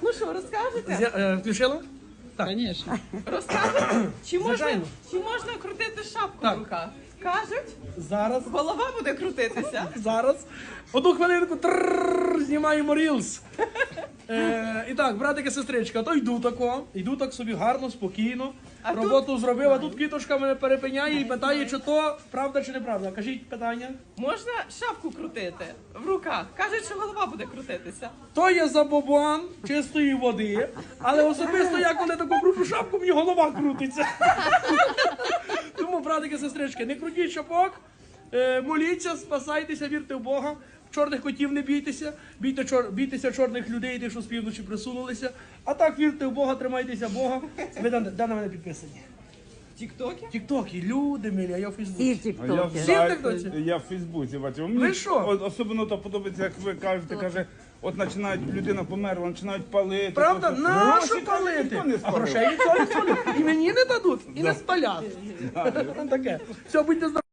Ну що, розкажете? Включила? Так. Звісно. Розкажете? Звичайно. Чи можна крутити шапку Так. в руках? Кажуть, Зараз. голова буде крутитися. Зараз. Одну хвилинку. Знімаємо рілс. І так, братики, сестричка, то йду так собі гарно, спокійно. А Роботу зробив, а тут квіточка мене перепиняє і питає, чи то правда чи неправда. Кажіть питання. Можна шапку крутити в руках. Кажуть, що голова буде крутитися. То є забобон чистої води, але особисто я коли таку кручу шапку, мені голова крутиться. Тому, братики, сестрички, не крутіть шапок, моліться, спасайтеся, вірте в Бога. Чорних котів не бійтеся, бійтеся чорних людей, тих, що з півночі присунулися. А так вірте в Бога, тримайтеся Бога. Ви де на мене підписані? Тіктоки? Тіктоки, люди милі, а я в Фейсбуці. І в Тіктокі. Всі в Тіктоці? Я в Фейсбуці бачив. Ви що? Особливо то подобається, як ви кажете, каже, от починають, людина померла, починають палити. Правда? то- Нащо Гроші, каже, палити? ніхто не А спалив. грошей ніхто не спалив. І мені не дадуть, і не спалять. Таке. Все, будьте здорові.